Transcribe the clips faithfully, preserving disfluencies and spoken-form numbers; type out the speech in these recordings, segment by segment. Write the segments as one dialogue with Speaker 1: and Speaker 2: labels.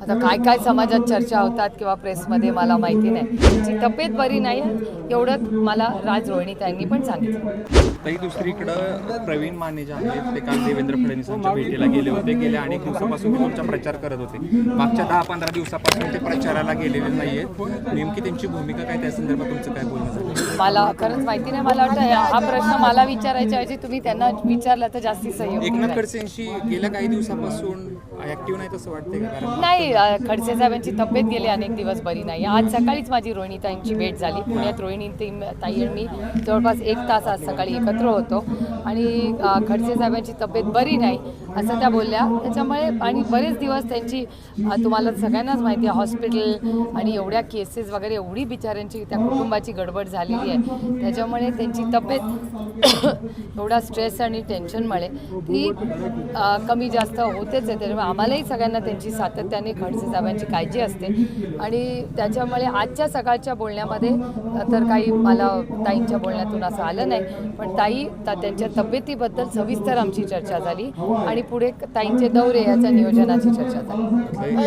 Speaker 1: आता काय काय समाजात चर्चा होतात किंवा प्रेसमध्ये मला माहिती नाही. तिची तब्येत बरी नाही एवढं मला राज रोहिणीताईंनी पण सांगितलं.
Speaker 2: तरी दुसरीकडं प्रवीण माने जे आहेत ते काल देवेंद्र फडणवीसांच्या भेटीला गेले होते. गेल्या अनेक दिवसापासून ते तुमचा प्रचार करत होते. मागच्या दहा पंधरा दिवसापासून ते प्रचाराला गेलेले नाही आहेत. नेमकी त्यांची भूमिका काय, त्या संदर्भात तुमचं काय बोलणं झालं?
Speaker 1: मला खरंच माहिती नाही. मला वाटतं हा प्रश्न मला विचारायच्या ऐवजी तुम्ही त्यांना विचारला तर जास्ती सहयोग.
Speaker 2: एकनाथ खडसेंशी गेल्या काही दिवसापासून ऍक्टिव्ह नाही तसं वाटतंय का? कारण
Speaker 1: नाही, खडसे साहेबांची तब्येत गेली अनेक दिवस बरी नाही. आज सकाळीच माझी रोहिणीताईंची भेट झाली पुण्यात. रोहिणी ताई आणि मी जवळपास एक तास आज सकाळी एकत्र होतो आणि खडसे साहेबांची तब्येत बरी नाही असं त्या बोलल्या. त्याच्यामुळे आणि बरेच दिवस त्यांची तुम्हाला सगळ्यांनाच माहिती आहे हॉस्पिटल आणि एवढ्या केसेस वगैरे एवढी बिचाऱ्यांची त्या कुटुंबाची गडबड झालेली आहे. त्याच्यामुळे त्यांची तब्येत एवढा स्ट्रेस आणि टेन्शनमुळे ती कमी जास्त होतेच आहे. त्याच्यामुळे आम्हालाही सगळ्यांना त्यांची सातत्याने खडसे साहेबांची काळजी असते आणि त्याच्यामुळे आजच्या सकाळच्या बोलण्यामध्ये तर काही मला ताईंच्या बोलण्यातून असं आलं नाही. पण ताई त्यांच्या तब्येतीबद्दल सविस्तर आमची चर्चा झाली आणि पुढे ताईंचे दौरे याच्या नियोजनाची चर्चा झाली.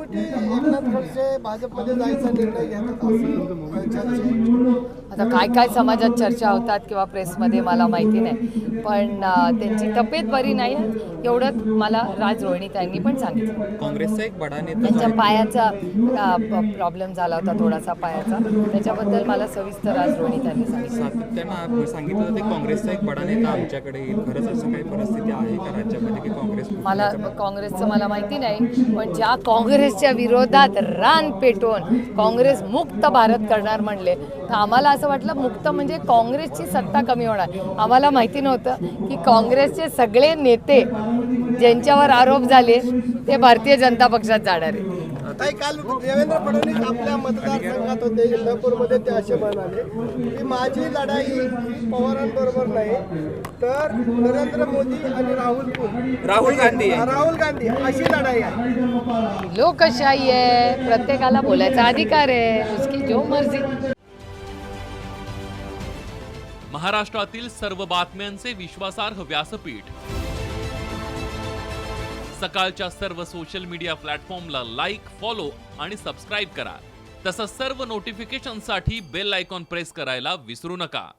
Speaker 1: आता काय काय समाजात चर्चा होतात किंवा प्रेसमध्ये मला माहिती नाही. पण त्यांची तब्येत बरी नाही एवढं मला राज रोहिणीताईंनी पण सांगितलं.
Speaker 2: काँग्रेसचा एक बडा नेता
Speaker 1: त्यांच्या पायाचा प्रॉब्लेम झाला होता थोडासा पायाचा, त्याच्याबद्दल मला सविस्तर राज रोहिणीताईंनी सांगितलं.
Speaker 2: सातत्यानं सांगितलं होतं की काँग्रेसचा एक बडा नेता आमच्याकडे येईल. खरंच असं काही परिस्थिती आहे का राज्यामध्ये की काँग्रेस?
Speaker 1: मला काँग्रेसचं मला माहिती नाही. पण ज्या काँग्रेसच्या विरोधात रान पेटवून काँग्रेस मुक्त भारत करणार म्हणले तर आम्हाला असं वाटलं मुक्त म्हणजे काँग्रेसची सत्ता कमी होणार. आम्हाला माहिती नव्हतं की काँग्रेसचे सगळे नेते ज्यांच्यावर आरोप झाले ते भारतीय जनता पक्षात जाणार आहे.
Speaker 3: ताई, काल देवेंद्र फडणवीस आपल्या मतदारसंघात होते इंदापूरमध्ये. ते असे म्हणाले की माझी लढाई ही पवारांबरोबर नाही तर नरेंद्र मोदी आणि राहुल
Speaker 2: राहुल गांधी
Speaker 3: राहुल गांधी अशी लढाई आहे.
Speaker 1: लोकशाही आहे, प्रत्येकाला बोलायचा अधिकार आहे, उसकी जो मर्जी.
Speaker 4: महाराष्ट्रातील सर्व बातम्यांचे विश्वासार्ह व्यासपीठ सकाळच्या सर्व सोशल मीडिया प्लॅटफॉर्मला लाईक, फॉलो आणि सबस्क्राईब करा. तसंच सर्व नोटिफिकेशनसाठी बेल आयकॉन प्रेस करायला विसरू नका.